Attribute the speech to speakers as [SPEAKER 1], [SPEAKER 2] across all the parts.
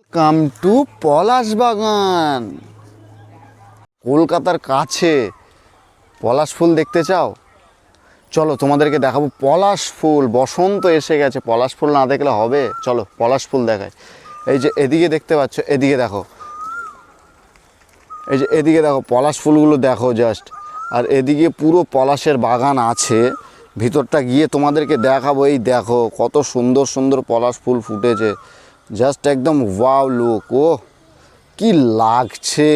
[SPEAKER 1] Come to পলাশ বাগান। কলকাতার কাছে পলাশ ফুল দেখতে চাও? চলো তোমাদেরকে দেখাবো পলাশ ফুল। বসন্ত এসে গেছে, পলাশ ফুল না দেখলে হবে? চলো পলাশ ফুল দেখাই। এই যে এদিকে দেখতে পাচ্ছ, এদিকে দেখো, এই যে এদিকে দেখো পলাশ ফুলগুলো দেখো জাস্ট। আর এদিকে পুরো পলাশের বাগান আছে, ভিতরটা গিয়ে তোমাদেরকে দেখাবো। এই দেখো কত সুন্দর সুন্দর পলাশ ফুল ফুটেছে, জাস্ট একদম ওয়াও লুক। ও কি লাগছে!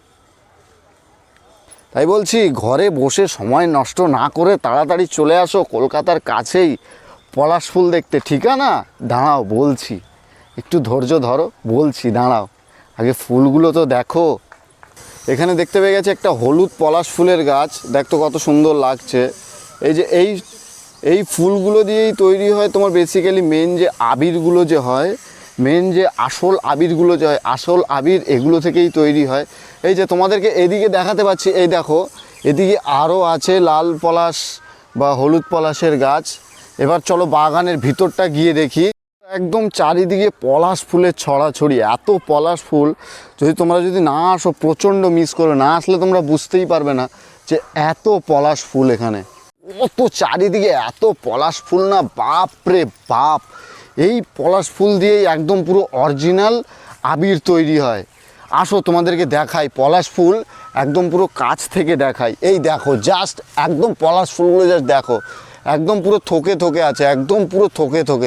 [SPEAKER 1] তাই বলছি ঘরে বসে সময় নষ্ট না করে তাড়াতাড়ি চলে আসো কলকাতার কাছেই পলাশ ফুল দেখতে। ঠিকানা দাঁড়াও বলছি, একটু ধৈর্য ধরো, বলছি দাঁড়াও, আগে ফুলগুলো তো দেখো। এখানে দেখতে পেয়ে গেছে একটা হলুদ পলাশ ফুলের গাছ, দেখতো কত সুন্দর লাগছে। এই যে এই ফুলগুলো দিয়েই তৈরি হয় তোমার বেসিক্যালি মেন যে আবিরগুলো যে হয়, মেন যে আসল আবিরগুলো যে হয়, আসল আবির এগুলো থেকেই তৈরি হয়। এই যে তোমাদেরকে এদিকে দেখাতে পাচ্ছি, এই দেখো এদিকে আরও আছে লাল পলাশ বা হলুদ পলাশের গাছ। এবার চলো বাগানের ভিতরটা গিয়ে দেখি। একদম চারিদিকে পলাশ ফুলের ছড়াছড়ি, এত পলাশ ফুল। তোমরা যদি না আসো প্রচণ্ড মিস করো, না আসলে তোমরা বুঝতেই পারবে না যে এত পলাশ ফুল এখানে। অত চারিদিকে এত পলাশ ফুল না, বাপ রে বাপ! এই পলাশ ফুল দিয়েই একদম পুরো অরিজিনাল আবির তৈরি হয়। আসো তোমাদেরকে দেখাই পলাশ ফুল, একদম পুরো কাছ থেকে দেখাই। এই দেখো জাস্ট একদম পলাশ ফুলগুলো জাস্ট দেখো, একদম পুরো থোকে থোকে আছে, একদম পুরো থোকে থোকে।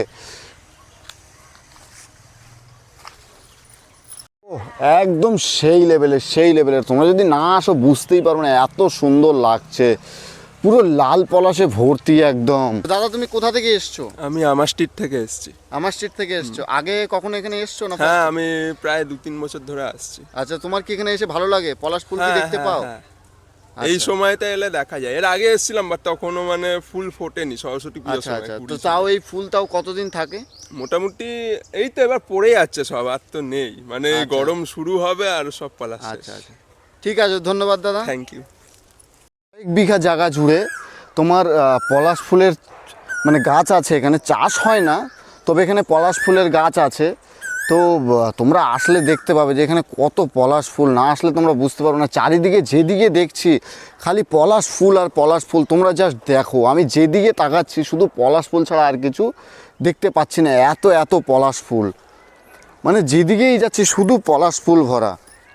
[SPEAKER 1] একদম সেই লেভেলের। তোমরা যদি না আসো বুঝতেই পারবে না, এত সুন্দর লাগছে, পুরো লাল পলাশে ভর্তি একদম। দাদা তুমি কোথা থেকে এসছো?
[SPEAKER 2] আমি আমার স্ট্রিট থেকে এসেছি।
[SPEAKER 1] আমার স্ট্রিট থেকে এসছো? আগে কখনো এখানে এসছো না?
[SPEAKER 2] হ্যাঁ, আমি প্রায় 2-3 বছর ধরে আসছি।
[SPEAKER 1] আচ্ছা, তোমার কি এখানে এসে ভালো লাগে? পলাশ ফুল কি দেখতে পাও?
[SPEAKER 2] এই সময়তে এলে দেখা যায়। এর আগে এসেছিলাম বাট তখনও মানে ফুল ফোটেনি, সরস্বতী পুজোর
[SPEAKER 1] আচ্ছা
[SPEAKER 2] সময়।
[SPEAKER 1] আচ্ছা, তো তাও এই ফুল তাও কতদিন থাকে?
[SPEAKER 2] মোটামুটি এই তো এবার পড়ে যাচ্ছে সব, আর তো নেই, মানে
[SPEAKER 1] আচ্ছা।
[SPEAKER 2] গরম শুরু হবে আর সব পলাশ শেষ।
[SPEAKER 1] আচ্ছা আচ্ছা, ঠিক আছে, ধন্যবাদ দাদা।
[SPEAKER 2] Thank you.
[SPEAKER 1] 1 বিঘা জায়গা জুড়ে তোমার পলাশ ফুলের মানে গাছ আছে। এখানে চাষ হয় না, তবে এখানে পলাশ ফুলের গাছ আছে। তো তোমরা আসলে দেখতে পাবে যে এখানে কত পলাশ ফুল। না আসলে তোমরা বুঝতে পারবে না। চারিদিকে যেদিকে দেখছি খালি পলাশ ফুল আর পলাশ ফুল। তোমরা জাস্ট দেখো, আমি যেদিকে তাকাচ্ছি শুধু পলাশ ফুল ছাড়া আর কিছু দেখতে পাচ্ছি না। এত এত পলাশ ফুল, মানে যেদিকেই যাচ্ছি শুধু পলাশ ফুল ভরা।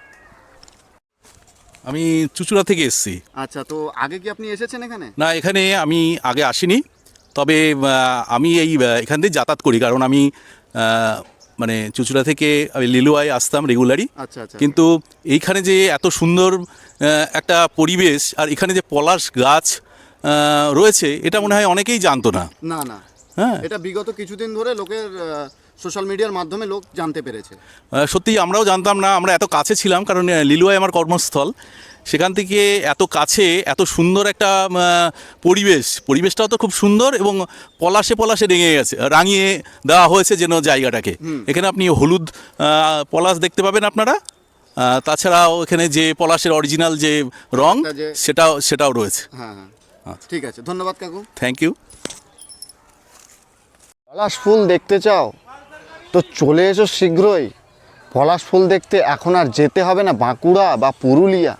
[SPEAKER 3] আমি চুঁচুড়া থেকে এসেছি।
[SPEAKER 1] আচ্ছা, তো আগে কি আপনি এসেছেন এখানে?
[SPEAKER 3] না, এখানে আমি আগে আসিনি, তবে আমি এখান দিয়ে যাতায়াত করি, কারণ আমি মানে চুঁচুড়া থেকে আমি লিলুয়ায় আসতাম রেগুলারই।
[SPEAKER 1] আচ্ছা আচ্ছা,
[SPEAKER 3] কিন্তু এইখানে যে এত সুন্দর একটা পরিবেশ আর এখানে যে পলাশ গাছ রয়েছে, এটা মনে হয় অনেকেই জানতো না।
[SPEAKER 1] না না,
[SPEAKER 3] হ্যাঁ,
[SPEAKER 1] এটা বিগত কিছুদিন ধরে লোকের সোশ্যাল মিডিয়ার মাধ্যমে লোক জানতে পেরেছে।
[SPEAKER 3] সত্যিই আমরাও জানতাম না। আমরা এত কাছে ছিলাম, কারণ লিলুয়ায় আমার কর্মস্থল। সেখান থেকে এত কাছে এত সুন্দর একটা পরিবেশটাও তো খুব সুন্দর, এবং পলাশে পলাশে রাঙিয়ে দেওয়া হয়েছে যেন জায়গাটাকে। এখানে আপনি হলুদ পলাশ দেখতে পাবেন আপনারা, তাছাড়াও এখানে যে পলাশের অরিজিনাল যে রং সেটাও রয়েছে।
[SPEAKER 1] হ্যাঁ হ্যাঁ, ঠিক আছে, ধন্যবাদ কাকু।
[SPEAKER 3] Thank you.
[SPEAKER 1] পলাশ ফুল দেখতে চাও তো চলে এসো শীঘ্রই পলাশ ফুল দেখতে। এখন আর যেতে হবে না বাঁকুড়া বা পুরুলিয়া।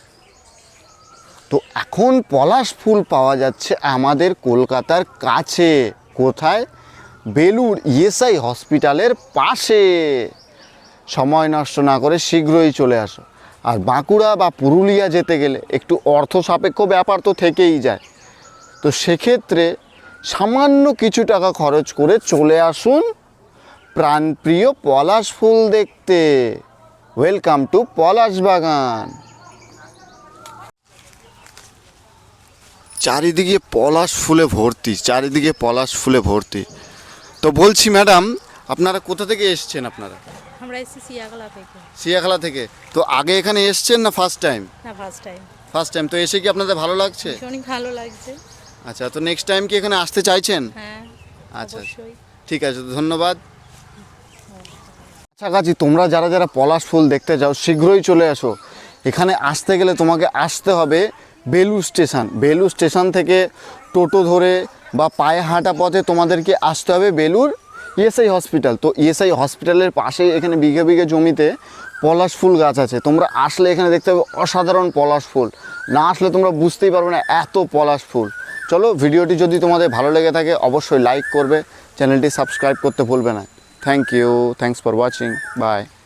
[SPEAKER 1] তো এখন পলাশ ফুল পাওয়া যাচ্ছে আমাদের কলকাতার কাছে। কোথায়? বেলুড় ইএসআই হসপিটালের পাশে। সময় নষ্ট না করে শীঘ্রই চলে আসো। আর বাঁকুড়া বা পুরুলিয়া যেতে গেলে একটু অর্থ সাপেক্ষ ব্যাপার তো থেকেই যায়। তো সেক্ষেত্রে সামান্য কিছু টাকা খরচ করে চলে আসুন প্রাণপ্রিয় পলাশ ফুল দেখতে। ওয়েলকাম টু পলাশ বাগান। চারিদিকে পলাশ ফুলে ভর্তি, চারিদিকে পলাশ ফুলে ভর্তি। তো বলছি ম্যাডাম, আপনারা কোথা থেকে এসছেন? আপনারা?
[SPEAKER 4] আমরা এসেছি সিয়াখালা থেকে।
[SPEAKER 1] সিয়াখালা থেকে। তো আগে এখানে এসছেন না ফার্স্ট টাইম?
[SPEAKER 4] না, ফার্স্ট টাইম।
[SPEAKER 1] First time. তো এসে কি আপনাদের ভালো লাগছে?
[SPEAKER 4] অনেক ভালো লাগছে।
[SPEAKER 1] আচ্ছা, তো নেক্সট টাইম কি এখানে আসতে চাইছেন?
[SPEAKER 4] হ্যাঁ,
[SPEAKER 1] আচ্ছা
[SPEAKER 4] অবশ্যই।
[SPEAKER 1] ঠিক আছে, ধন্যবাদ। কাছাকাছি তোমরা যারা যারা পলাশ ফুল দেখতে যাও শীঘ্রই চলে আসো। এখানে আসতে গেলে তোমাকে আসতে হবে বেলুড় স্টেশন। বেলুড় স্টেশন থেকে টোটো ধরে বা পায়ে হাঁটা পথে তোমাদেরকে আসতে হবে বেলুড় ইএসআই হসপিটাল, তো ইএসআই হসপিটালের পাশে এখানে বিঘে বিঘে জমিতে পলাশ ফুল গাছ আছে। তোমরা আসলে এখানে দেখতে পাবে অসাধারণ পলাশ ফুল, না আসলে তোমরা বুঝতেই পারবে না এত পলাশ ফুল। চলো, ভিডিওটি যদি তোমাদের ভালো লেগে থাকে অবশ্যই লাইক করবে, চ্যানেলটি সাবস্ক্রাইব করতে ভুলবে না। Thank you, thanks for watching, by.